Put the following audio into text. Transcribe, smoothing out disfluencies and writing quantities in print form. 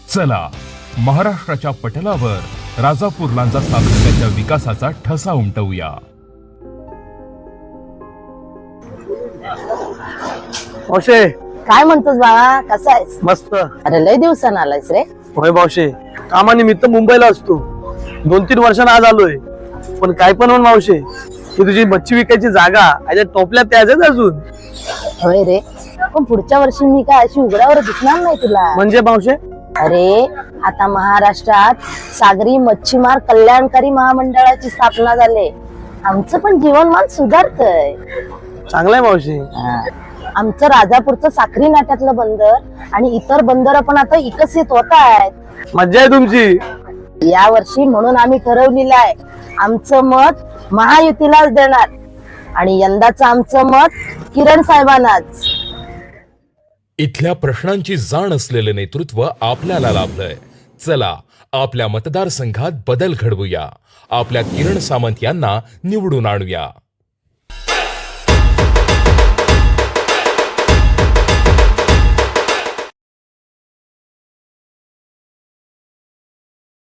चला महाराष्ट्राच्या पटलावर राजापूर लांजा सातत्याच्या विकासाचा ठसा उमटवूया. मावशे, काय म्हणतोस बाळा, कसा आहेस? मस्त. अरे लय दिवसानं आलायस रे. होय मावशे, कामानिमित्त मुंबईला असतो. 2-3 वर्षांना आज आलोय. पण काय पण म्हण मावशे, ही तुझी मच्छी विकायची जागा याच्या टोपल्या त्याच अजून. होय रे, पण पुढच्या वर्षी मी काय अशी उघड्यावर दिसणार नाही तुला. म्हणजे मावशे? अरे आता महाराष्ट्रात सागरी मच्छीमार कल्याणकारी महामंडळाची स्थापना झाली. आमचं पण जीवनमान सुधारतंय. चांगलाय मावशे. आमचं राजापूरचं साखरी नाट्यातलं बंदर आणि इतर बंदर पण आता विकसित होत आहेत. मज्जा आहे तुमची. या वर्षी म्हणून आम्ही ठरवलेलं आहे, आमचं मत महायुतीलाच देणार आणि यंदाचं आमचं मत किरण साहेबांनाच. इथल्या प्रश्नांची जाण असलेलं नेतृत्व आपल्याला लाभलंय. चला आपल्या मतदारसंघात बदल घडवूया. आपल्या किरण सामंत यांना निवडून आणूया.